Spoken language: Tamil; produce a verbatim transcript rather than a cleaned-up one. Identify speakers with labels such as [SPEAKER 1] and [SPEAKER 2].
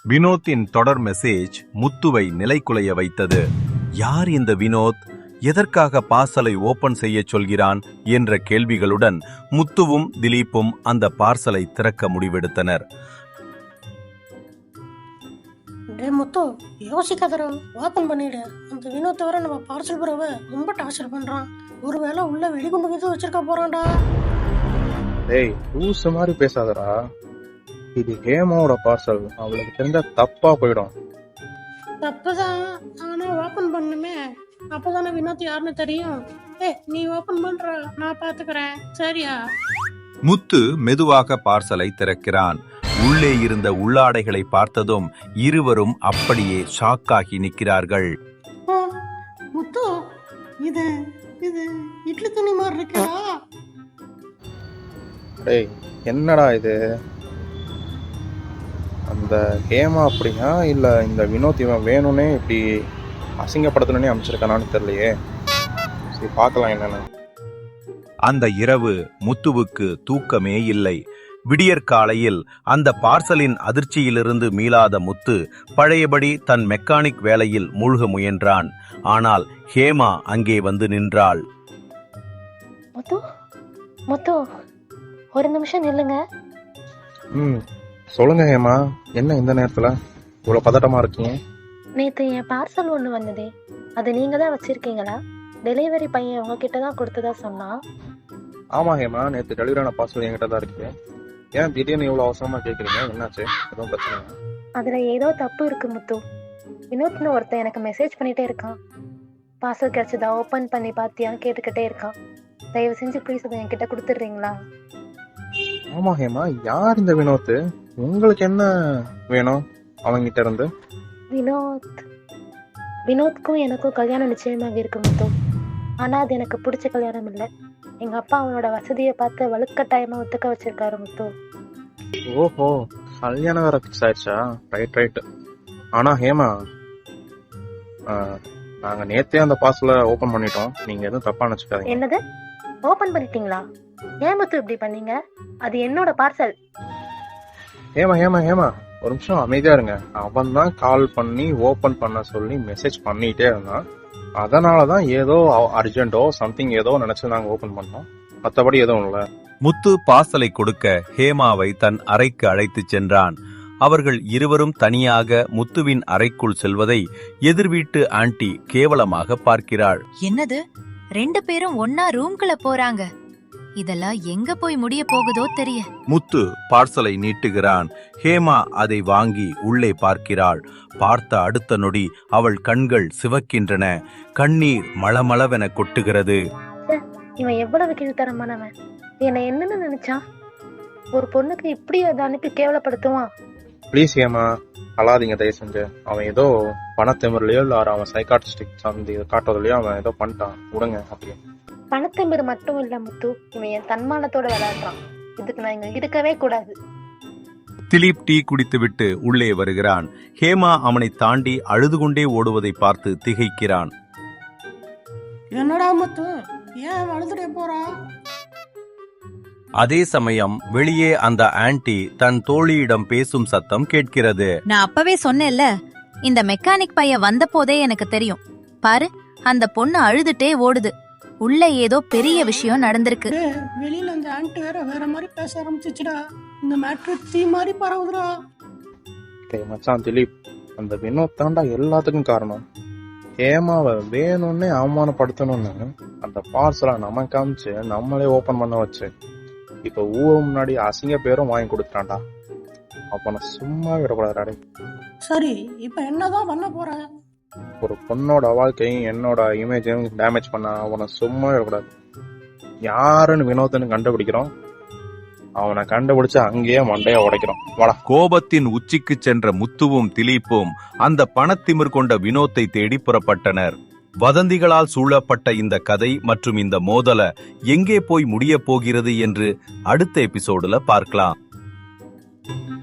[SPEAKER 1] வினோத்தின் தொடர் மெசேஜ் முத்துவை நிலைகுலைய வைத்தது. யார் இந்த வினோத்? எதற்காக பார்சலை ஓபன் செய்ய சொல்கிறான் என்ற கேள்விகளுடன் முத்துவும் திலீப்பும் அந்த பார்சலை திறக்க முடிவெடுத்தனர்.
[SPEAKER 2] முத்து யோசிக்காதரா, ஓபன் பண்ணிடு. அந்த வினோத் வர நம்ம பார்சல் புறவை ரொம்ப டார்ச்சர் பண்றான். ஒருவேளை உள்ள வெடிகுண்டு விது வச்சிருக்க போறான்டா.
[SPEAKER 3] டேய் லூசு மாதிரி பேசாதடா. இது ஹேமாவோட பார்சல். அவளுக்கு தெரிஞ்சா தப்பா போயிடும்.
[SPEAKER 2] தப்புதான், ஆனா ஓபன் பண்ணுமே, அப்பதானே வினோத் யாருன்னு தெரியும். ஏ நீ ஓபன் பண்ற, நான் பாத்துக்கிறேன், சரியா?
[SPEAKER 1] முத்து மெதுவாக பார்சலை திறக்கிறான். உள்ளே இருந்த உள்ளாடைகளை பார்த்ததும் இருவரும் அப்படியே ஷாக்காகி நிற்கிறார்கள்.
[SPEAKER 2] முத்து, இது இது இட்லி துணி மாதிரி இருக்கா?
[SPEAKER 3] டேய் என்னடா இது? அந்த ஹேமா அப்படியா இல்ல இந்த வினோத் இவன் வேணும்னே இப்படி அசிங்கப்படுத்தணும்னே அமைச்சிருக்கானான்னு தெரியலையே. சரி பார்க்கலாம் என்னன்னு.
[SPEAKER 1] அந்த இரவு முத்துவுக்கு தூக்கமே இல்லை. விடியற்காலையில் அந்த பார்சலின் அதிர்ச்சியிலிருந்து மீளாத முத்து பழையபடி தன் மெக்கானிக் வேலையில் மூழ்க முயன்றான். ஆனால் ஹேமா அங்கே வந்து நின்றாள்.
[SPEAKER 4] முத்து, முத்து, ஒரு நிமிஷம் நில்லுங்க.
[SPEAKER 3] ம் சொல்லுங்க ஹேமா, என்ன இந்த நேரத்துல இவ்வளவு பதட்டமா இருக்கீங்க?
[SPEAKER 4] நேத்து என் பார்சல் ஒண்ணு வந்ததே, அது நீங்க தான் வச்சிருக்கீங்களா? டெலிவரி பையன் உங்ககிட்ட தான் கொடுத்ததா சொன்னா.
[SPEAKER 3] ஆமா ஹேமா, நேத்து டெலிவரியான பார்சல் என்கிட்ட தான் இருக்கு. ஏன் திடீர்னு இவ்வளவு அவசரமா கேக்குறீங்க? என்னாச்சு? எதுவும் பிரச்சனை?
[SPEAKER 4] அதுல ஏதோ தப்பு இருக்கு முத்து. வினோத்னு ஒருத்தன் எனக்கு மெசேஜ் பண்ணிட்டே இருக்கான். பார்சல் கிடைச்சதா, ஓபன் பண்ணி பாத்தியான்னு கேட்டுக்கிட்டே இருக்கான். தயவு செஞ்சு ப்ளீஸ் அதை என்கிட்ட கொடுத்துடுறீங்களா?
[SPEAKER 3] ஆமா ஹேமா, யார் இந்த வினோத்? உங்களுக்கு என்ன வேணும் அவங்கிட்ட இருந்து?
[SPEAKER 4] வினோத் வினோத்க்கும் எனக்கும் கல்யாணம் நிச்சயமாக இருக்கு முத்து. ஆனா அது எனக்கு பிடிச்ச கல்யாணம் இல்லை. எங்க அப்பா அவனோட வசதியை பார்த்து வலுக்கட்டாயமா ஒத்துக்க வச்சிருக்காரு முத்து.
[SPEAKER 3] ஓஹோ, கல்யாணம் வேற ஃபிக்ஸ் ஆயிடுச்சா? Right right. ஆனா ஹேமா, நாங்க நேத்தே அந்த பார்சலை ஓபன் பண்ணிட்டோம். நீங்க எதுவும் தப்பா நினைச்சுக்காதீங்க.
[SPEAKER 4] என்னது, ஓபன் பண்ணிட்டீங்களா? ஏன் முத்து இப்படி பண்ணீங்க? அது என்னோட பார்சல்.
[SPEAKER 3] ஹேமா ஹேமா ஹேமா ஒரு நிமிஷம் அமைதியா இருங்க. அவன் தான் கால் பண்ணி ஓபன் பண்ண சொல்லி மெசேஜ் பண்ணிட்டே இருந்தான். அதனாலதான் ஏதோ அர்ஜென்டோ சம்திங் ஏதோ நினைச்சு நாங்க ஓபன் பண்ணோம். மத்தபடி எதுவும் இல்ல.
[SPEAKER 1] முத்து பார்சலை கொடுக்க ஹேமாவை தன் அறைக்கு அழைத்து சென்றான். அவர்கள் இருவரும் தனியாக முத்துவின் அறைக்குள் செல்வதை எதிர் வீட்டு ஆண்டி கேவலமாக பார்க்கிறாள்.
[SPEAKER 5] என்னது, ரெண்டு பேரும் ஒன்னா ரூம்குள்ள போறாங்க? இதெல்லாம் எங்க போய் முடிய போகுதோ தெரிய.
[SPEAKER 1] முத்து பார்சலை நீட்டுகிறான். ஹேமா அதை வாங்கி உள்ளே பார்க்கிறாள். பார்த்த அடுத்த நொடி அவள் கண்கள் சிவக்கின்றன. கண்ணீர் மளமளவென கொட்டுகிறது.
[SPEAKER 4] இவன் எவ்வளவு கீழ்த்தரமானவன்! என்னை என்னன்னு நினைச்சான்? ஒரு பொண்ணுக்கு இப்படி அதை அனுப்பி கேவலப்படுத்துவான்?
[SPEAKER 3] பிளீஸ் ஹேமா, அழாதீங்க தயவு செஞ்சு. அவன் ஏதோ பணத்திமிரலையோ இல்ல அவன் சைக்காட்ரிஸ்டிக் சார்ந்து காட்டுறதுலயோ அவன் ஏதோ பண்ணிட்டான். விடுங்க அப்படியே.
[SPEAKER 4] பணத்தம்பர் மட்டும் இல்ல முத்து, இவன் என் தன்மானத்தோட விளையாடுறான். இதுக்கு நான் இங்க இருக்கவே கூடாது.
[SPEAKER 1] திலீப் டீ குடித்துவிட்டு உள்ளே வருகிறான். ஹேமா அவனை தாண்டி அழுது கொண்டே ஓடுவதை பார்த்து திகைக்கிறான்.
[SPEAKER 2] என்னடா முத்து, ஏன் அழுதுட்டே போறா?
[SPEAKER 1] அதே சமயம் வெளியே அந்த ஆன்டி தன் தோழியிடம் பேசும் சத்தம் கேட்கிறது.
[SPEAKER 5] நான் அப்பவே சொன்னேன்ல, இந்த மெக்கானிக் பையன் வந்த போதே எனக்கு தெரியும். பாரு, அந்த பொண்ணு அழுதுட்டே ஓடுது. உள்ள ஏதோ பெரிய விஷயம் நடந்திருக்கு.
[SPEAKER 2] வெளியில அந்த ஆன்டி வேற வேற மாதிரி பேச ஆரம்பிச்சுடா. இந்த மேட்ரு தீ மாதிரி பரவுதுடா.
[SPEAKER 3] மச்சான் திலீப், அந்த வினோத் தாண்டா எல்லாத்துக்கும் காரணம். ஹேமாவை வேணும்னே அவமானப்படுத்தணும்னு அந்த பார்சலை நம்ம காமிச்சு நம்மளே ஓபன் பண்ண வச்சு இப்ப ஊர் முன்னாடி அசிங்க பேரும் வாங்கி கொடுத்துட்டான்டா. அப்ப நான் சும்மா விடக்கூடாது.
[SPEAKER 2] சரி, இப்ப என்னதான் பண்ண போற?
[SPEAKER 3] ஒரு பொண்ணோட வாழ்க்கையும் என்னோட இமேஜையும் டேமேஜ் பண்ண அவனை சும்மா விடக்கூடாது. யாருன்னு வினோத்னு கண்டுபிடிக்கிறோம், அவனை கண்டுபிடிச்சு அங்கேயே மண்டைய உடைக்கிறோம். வாடா.
[SPEAKER 1] கோபத்தின் உச்சிக்கு சென்ற முத்துவும் திலீப்பும் அந்த பணத்திமிர் கொண்ட வினோத்தை தேடி புறப்பட்டனர். வதந்திகளால் சூழப்பட்ட இந்த கதை மற்றும் இந்த மோதல எங்கே போய் முடிய போகிறது என்று அடுத்த எபிசோடுல பார்க்கலாம்.